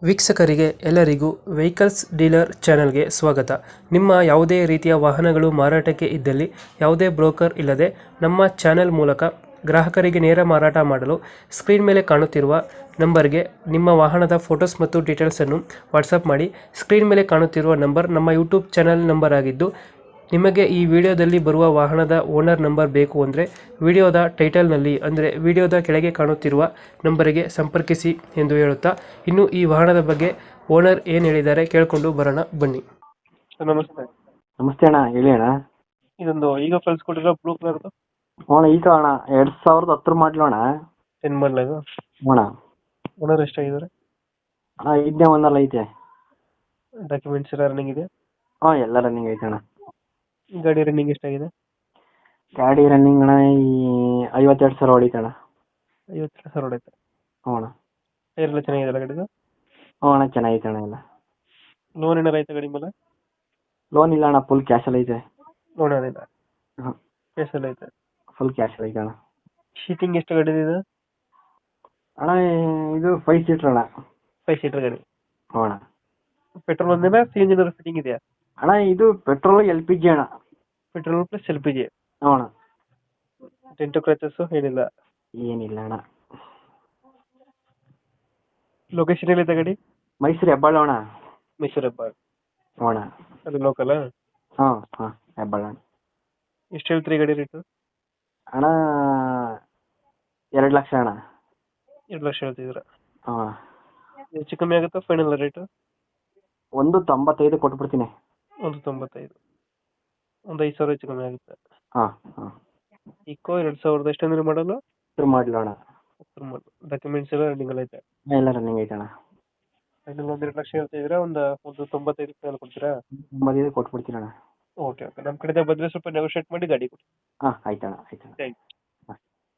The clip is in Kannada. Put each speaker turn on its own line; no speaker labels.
ವೀಕ್ಷಕರಿಗೆ ಎಲ್ಲರಿಗೂ ವೆಹಿಕಲ್ಸ್ ಡೀಲರ್ ಚಾನೆಲ್ಗೆ ಸ್ವಾಗತ. ನಿಮ್ಮ ಯಾವುದೇ ರೀತಿಯ ವಾಹನಗಳು ಮಾರಾಟಕ್ಕೆ ಇದ್ದಲ್ಲಿ ಯಾವುದೇ ಬ್ರೋಕರ್ ಇಲ್ಲದೆ ನಮ್ಮ ಚಾನೆಲ್ ಮೂಲಕ ಗ್ರಾಹಕರಿಗೆ ನೇರ ಮಾರಾಟ ಮಾಡಲು ಸ್ಕ್ರೀನ್ ಮೇಲೆ ಕಾಣುತ್ತಿರುವ ನಂಬರ್ಗೆ ನಿಮ್ಮ ವಾಹನದ ಫೋಟೋಸ್ ಮತ್ತು ಡೀಟೇಲ್ಸನ್ನು ವಾಟ್ಸಪ್ ಮಾಡಿ. ಸ್ಕ್ರೀನ್ ಮೇಲೆ ಕಾಣುತ್ತಿರುವ ನಂಬರ್ ನಮ್ಮ ಯೂಟ್ಯೂಬ್ ಚಾನೆಲ್ ನಂಬರ್ ಆಗಿದ್ದು, ನಿಮಗೆ ಈ ವಿಡಿಯೋದಲ್ಲಿ ಬರುವ ವಾಹನದ ಓನರ್ ನಂಬರ್ ಬೇಕು ಅಂದರೆ ವಿಡಿಯೋದ ಟೈಟಲ್ನಲ್ಲಿ ಅಂದರೆ ವಿಡಿಯೋದ ಕೆಳಗೆ ಕಾಣುತ್ತಿರುವ ನಂಬರಿಗೆ ಸಂಪರ್ಕಿಸಿ ಎಂದು ಹೇಳುತ್ತಾ, ಇನ್ನು ಈ ವಾಹನದ ಬಗ್ಗೆ ಓನರ್ ಏನು ಹೇಳಿದ್ದಾರೆ ಕೇಳಿಕೊಂಡು ಬರೋಣ ಬನ್ನಿ. ನಮಸ್ತೆ.
ನಮಸ್ತೆ ಅಣ್ಣ, ಹೇಳಿ ಅಣ್ಣ.
ಇದೊಂದು ಈಗ ಕಳ್ಸಿಕೊಟ್ಟಿರೋ ಬ್ಲೂ ಕಲರ್ದು
ಅಣ್ಣ ಈಗ ಅಣ್ಣ 2010 ಮಾಡಲು ಅಣ್ಣ.
10 ಮಾಡಲ್ ಇದು.
ಅಣ್ಣ
ಓನರ್ ಎಷ್ಟಾಗಿದ್ದಾರೆ?
ಅಣ್ಣ ಇದನ್ನೇ ಒಂದಲ್ಲ ಐತೆ.
ಡಾಕ್ಯುಮೆಂಟ್ಸ್ ಎಲ್ಲ ರನ್ನಿಂಗ್ ಇದೆ?
ಹಾಂ ಎಲ್ಲ ರನ್ನಿಂಗ್ ಐತೆ ಅಣ್ಣ.
ಗಾಡಿ ರನ್ನಿಂಗ್ ಎಷ್ಟಾಗಿದೆ?
ಗಾಡಿ ರನ್ನಿಂಗ್ ಅಣ್ಣ ಈ 52,000 ಹೊಡಿತೆ ಅಣ್ಣ.
52,000 ಹೊಡೈತೆ.
ಹ್ಞೂ ಅಣ್ಣ.
ಟೈರ್ ಎಲ್ಲ ಚೆನ್ನಾಗಿದೆ ಗಾಡಿದು?
ಹ್ಞೂ ಅಣ್ಣ ಚೆನ್ನಾಗೈತೆ ಅಣ್ಣ ಎಲ್ಲ.
ಲೋನ್ ಏನಾರ ಐತೆ ಗಾಡಿ ಮೇಲೆ?
ಲೋನ್ ಇಲ್ಲ ಅಣ್ಣ, ಫುಲ್ ಕ್ಯಾಶಲ್ಲಿ ಐತೆ.
ಲೋನ್ ಏನಿಲ್ಲ,
ಹಾಂ
ಕೇಸಲ್ಲಿ ಐತೆ.
ಫುಲ್ ಕ್ಯಾಶಲ್ಲಿ ಐತೆ ಅಣ್ಣ.
ಶೀಟಿಂಗ್ ಎಷ್ಟು ಗಾಡಿ ಇದೆ?
ಅಣ್ಣ ಇದು 5 ಸೀಟ್ರ್ ಅಣ್ಣ.
5 ಸೀಟರ್ ಗಾಡಿ.
ಹ್ಞೂ ಅಣ್ಣ.
ಪೆಟ್ರೋಲ್ ಒಂದೇನಾ CNG ಏನಾದ್ರು ಫಿಟ್ಟಿಂಗ್ ಇದೆಯಾ?
ಅಣ್ಣ ಇದು ಪೆಟ್ರೋಲ್ LPG ಅಣ್ಣ.
Petrol plus LPG.
ಹ್ಞೂ ಅಣ್ಣ.
ಡೆಂಟು ಕ್ರಚಸ್ ಏನಿಲ್ಲ?
ಏನಿಲ್ಲ ಅಣ್ಣ.
ಲೊಕೇಶನ್ ಎಲ್ಲಿದೆ ಗಾಡಿ?
ಮೈಸೂರು ಹೆಬ್ಬಾಳು ಅಣ್ಣ.
ಮೈಸೂರು ಹೆಬ್ಬಾಳ.
ಹ್ಞೂ ಅಣ್ಣ.
ಅದು ಲೋಕಲ್?
ಹಾಂ ಹಾಂ ಹೆಬ್ಬಾಳು ಅಣ್ಣ.
ಎಷ್ಟು ಹೇಳ್ತೀರಿ ಗಾಡಿ ರೇಟು?
ಅಣ್ಣ 2 ಲಕ್ಷ ಅಣ್ಣ.
2 ಲಕ್ಷ ಹೇಳ್ತಿದ್ದೀರಾ?
ಹಾಂ.
ಹೆಚ್ಚು ಕಮ್ಮಿ ಆಗುತ್ತಾ ಫೈನಲ್ ರೇಟು?
195 ಕೊಟ್ಬಿಡ್ತೀನಿ.
195. ಒಂದು 5,000 ಹೆಚ್ಚು ಕಮ್ಮಿ ಆಗುತ್ತೆ.
ಹಾಂ ಹಾಂ.
ಇಕೋ 2000 ಎಷ್ಟಂದ್ರೆ ಮಾಡಲು?
ಮಾಡಲು ಅಣ್ಣ.
ಡಾಕ್ಯುಮೆಂಟ್ಸ್ ಎಲ್ಲ ರನ್ನಿಂಗ್ ಎಲ್ಲ ಐತೆ?
ಎಲ್ಲ ರನ್ನಿಂಗ್ ಐತೆ ಅಣ್ಣ.
ಫೈನಲ್ 1 2 ಲಕ್ಷ ಹೇಳ್ತಿದ್ದೀರಾ, ಒಂದು 95 ಮೇಲೆ ಕೊಡ್ತೀರಾ?
ಮದುವೆ ಕೊಟ್ಬಿಡ್ತೀನಿ ಅಣ್ಣ.
ಓಕೆ ಓಕೆ, ನಮ್ಮ ಕಡೆಯಿಂದ ಬಂದರೆ ಸ್ವಲ್ಪ ನೆಗೋಷಿಯೇಟ್ ಮಾಡಿ ಗಾಡಿ ಕೊಡಿ.
ಹಾಂ ಆಯ್ತಣ್ಣ ಆಯ್ತಣ್ಣ.
Thank you.